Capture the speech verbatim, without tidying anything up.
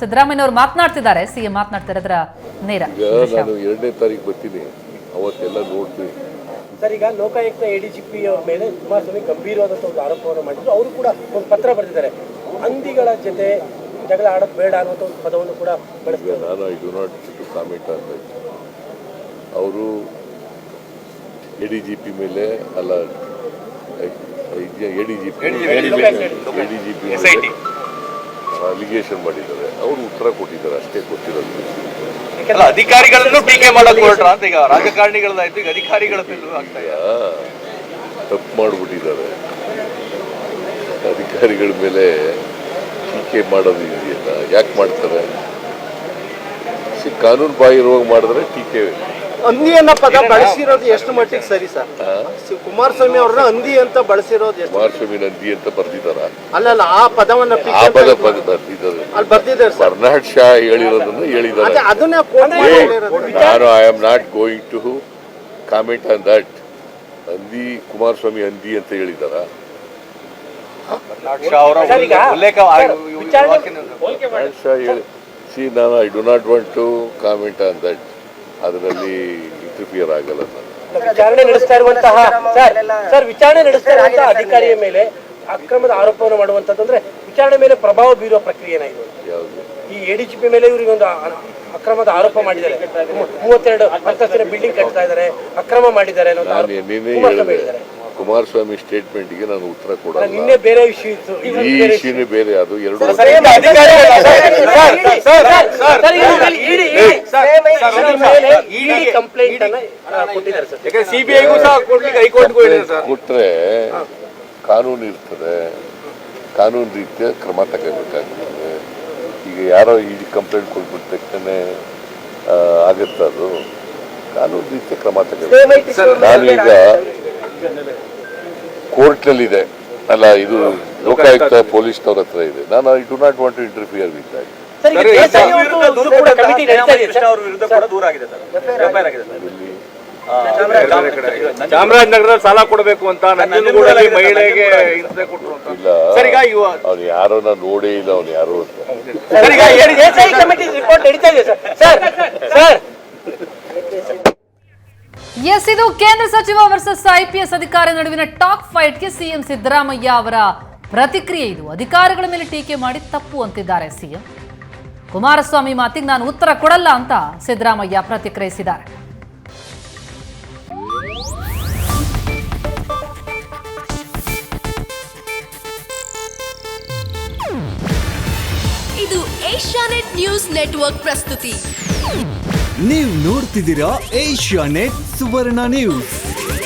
ಸಿದ್ದರಾಮಯ್ಯ ಅವರು ಮಾತನಾಡ್ತಿದ್ದಾರೆ, ಸಿಎಂ ಮಾತನಾಡ್ತಿರೋದ್ರ ನೇರ. ನಾನು ಎರಡನೇ ತಾರೀಕು ಬರ್ತೀನಿ, ಅವತ್ತೆಲ್ಲ ನೋಡ್ತೀನಿ. ಸರ್, ಈಗ ಲೋಕಾಯುಕ್ತ ಎಡಿಜಿಪಿ ಅವ್ರ ಮೇಲೆ ಕುಮಾರಸ್ವಾಮಿ ಗಂಭೀರವಾದಂಥ ಒಂದು ಆರೋಪವನ್ನು ಮಾಡಿದ್ರು. ಅವರು ಕೂಡ ಒಂದು ಪತ್ರ ಬರೆದಿದ್ದಾರೆ, ಹಂದಿಗಳ ಜೊತೆ ಜಗಳ ಆಡೋದು ಬೇಡ ಅನ್ನುವಂಥ ಒಂದು ಪದವನ್ನು ಕೂಡ ಬಳಸ್ತಾರೆ. ನಾನು I do not to comment ಅಂತ. ಅವರು ಎ ಡಿ ಜಿ ಪಿ ಮೇಲೆ ಅಲ್ಲ A D G P A D G P allegation ಮಾಡಿದ್ದಾರೆ, ಅವರು ಉತ್ತರ ಕೊಟ್ಟಿದ್ದಾರೆ, ಅಷ್ಟೇ ಗೊತ್ತಿರೋದು. ಅಧಿಕಾರಿಗಳನ್ನು ಟೀಕೆ ಮಾಡಕ್ಕೆ ಹೊರಟ್ರ ಅಂತ ಈಗ ರಾಜಕಾರಣಿಗಳದಾಯ್ತು, ಈಗ ಅಧಿಕಾರಿಗಳ ಮೇಲೂ ಆಗ್ತಾ ಇದೆ. ತಪ್ಪು ಮಾಡಿಬಿಟ್ಟಿದ್ದಾರೆ, ಅಧಿಕಾರಿಗಳ ಮೇಲೆ ಟೀಕೆ ಮಾಡೋದು ಇದೆಯಲ್ಲ, ಯಾಕೆ ಮಾಡ್ತಾರೆ? ಕಾನೂನು ಬಾಹಿರವಾಗಿ ಮಾಡಿದ್ರೆ ಟೀಕೆ. ಹಂದಿ ಅನ್ನೋ ಪದ ಬಳಸಿರೋದು ಎಷ್ಟು ಮಟ್ಟಿಗೆ ಸರಿ ಸರ್? ಕುಮಾರಸ್ವಾಮಿ ಅವ್ರನ್ನ ಹಂದಿ ಅಂತ ಬಳಸಿರೋದು ಎಷ್ಟು? ಕುಮಾರಸ್ವಾಮಿ ಹಂದಿ ಅಂತ ಬರ್ದಿದ್ದಾರ? ಅಲ್ಲ, ಆ ಪದವನ್ನ ಆ ಪದ ಬರ್ದಿದ್ದಾರೆ, ಅಲ್ಲಿ ಬರ್ದಿದ್ದಾರೆ. ಬರ್ನಾಡ್ ಶಾ ಹೇಳಿರೋದನ್ನ ಹೇಳಿದ್ದಾರೆ. ಅದನ್ನ ನಾನು I am not going to comment on that. ಹಂದಿ ಕುಮಾರಸ್ವಾಮಿ ಹಂದಿ ಅಂತ ಹೇಳಿದಾರ? ಸಿ ನಾನು I do not want to comment on that. ಅದರಲ್ಲಿ ಇಂಟರ್ಫಿಯರ್ ಆಗಲ್ಲ. ವಿಚಾರಣೆ ನಡೆಸ್ತಾ ಇರುವಂತಹ ಸರ್ ಸರ್ ವಿಚಾರಣೆ ನಡೆಸ್ತಾ ಇರುವಂತಹ ಅಧಿಕಾರಿಯ ಮೇಲೆ ಅಕ್ರಮದ ಆರೋಪವನ್ನು ಮಾಡುವಂತಂದ್ರೆ ವಿಚಾರಣೆ ಮೇಲೆ ಪ್ರಭಾವ ಬೀರುವ ಪ್ರಕ್ರಿಯೆ ಏನಾಗಿದೆ? ಯಾವುದು? ಈ ಎಡಿಜಿಪಿ ಮೇಲೆ ಇವರಿಗೆ ಒಂದು ಅಕ್ರಮದ ಆರೋಪ ಮಾಡಿದ್ದಾರೆ, ಮೂವತ್ತೆರಡು ಅಂತಸ್ತಿನ ಬಿಲ್ಡಿಂಗ್ ಕಟ್ತಾ ಇದ್ದಾರೆ, ಅಕ್ರಮ ಮಾಡಿದ್ದಾರೆ. ನಾನು ನಿನ್ನೆ ಹೇಳಿದೆ, ಕುಮಾರಸ್ವಾಮಿ ಸ್ಟೇಟ್ಮೆಂಟ್ಗೆ ನಾನು ಉತ್ತರ ಕೊಡಲ್ಲ. ನಿನ್ನೆ ಬೇರೆ ವಿಷಯ ಇತ್ತು, ಈ ವಿಷಯನೇ ಬೇರೆ. ಅದು ಎರಡು ಕೊಟ್ರೆ ಕಾನೂನು ಇರ್ತದೆ, ಕಾನೂನು ರೀತಿಯ ಕ್ರಮ ತಗೋಬೇಕಾಗ್ತದೆ. ಈಗ ಯಾರೋ ಈ ಕಂಪ್ಲೇಂಟ್ ಕೊಟ್ಬಿಟ್ಟ ತಕ್ಷಣ ಆಗುತ್ತೆ, ಅದು ಕಾನೂನು ರೀತಿಯ ಕ್ರಮ ತಗೋಬೇಕು. ನಾನೀಗ ಕೋರ್ಟ್ನಲ್ಲಿದೆ ಅಲ್ಲ, ಇದು ಲೋಕಾಯುಕ್ತ ಪೊಲೀಸ್ನವ್ರ ಹತ್ರ ಇದೆ. ನಾನು I do not want to interfere with that. Chamarajanagar ಸಾಲ ಕೊಡಬೇಕು ಅಂತ ನಂಜನಗೂಡಲ್ಲಿ ಮಹಿಳೆಗೆ ಹಿಂಸೆ ಕೊಟ್ಟರು ಅಂತ. ಇಲ್ಲ, ಅವ್ನು ಯಾರೋ ನಾನು ನೋಡೇ ಇಲ್ಲ, ಅವ್ನು ಯಾರು ಅಂತ. ಎಸ್, ಇದು ಕೇಂದ್ರ ಸಚಿವ ವರ್ಸಸ್ ಐಪಿಎಸ್ ಅಧಿಕಾರಿ ನಡುವಿನ ಟಾಕ್ ಫೈಟ್ಗೆ ಸಿಎಂ ಸಿದ್ದರಾಮಯ್ಯ ಅವರ ಪ್ರತಿಕ್ರಿಯೆ ಇದು. ಅಧಿಕಾರಿಗಳ ಮೇಲೆ ಟೀಕೆ ಮಾಡಿ ತಪ್ಪು ಅಂತಿದ್ದಾರೆ ಸಿಎಂ. ಕುಮಾರಸ್ವಾಮಿ ಮಾತಿಗೆ ನಾನು ಉತ್ತರ ಕೊಡಲ್ಲ ಅಂತ ಸಿದ್ದರಾಮಯ್ಯ ಪ್ರತಿಕ್ರಿಯಿಸಿದ್ದಾರೆ. ಇದು ಏಷ್ಯಾನೆಟ್ ನ್ಯೂಸ್ ನೆಟ್ವರ್ಕ್ ಪ್ರಸ್ತುತಿ. ನೀವು ನೋಡ್ತಿದ್ದೀರಾ ಏಷ್ಯಾನೆಟ್ ಸುವರ್ಣ ನ್ಯೂಸ್.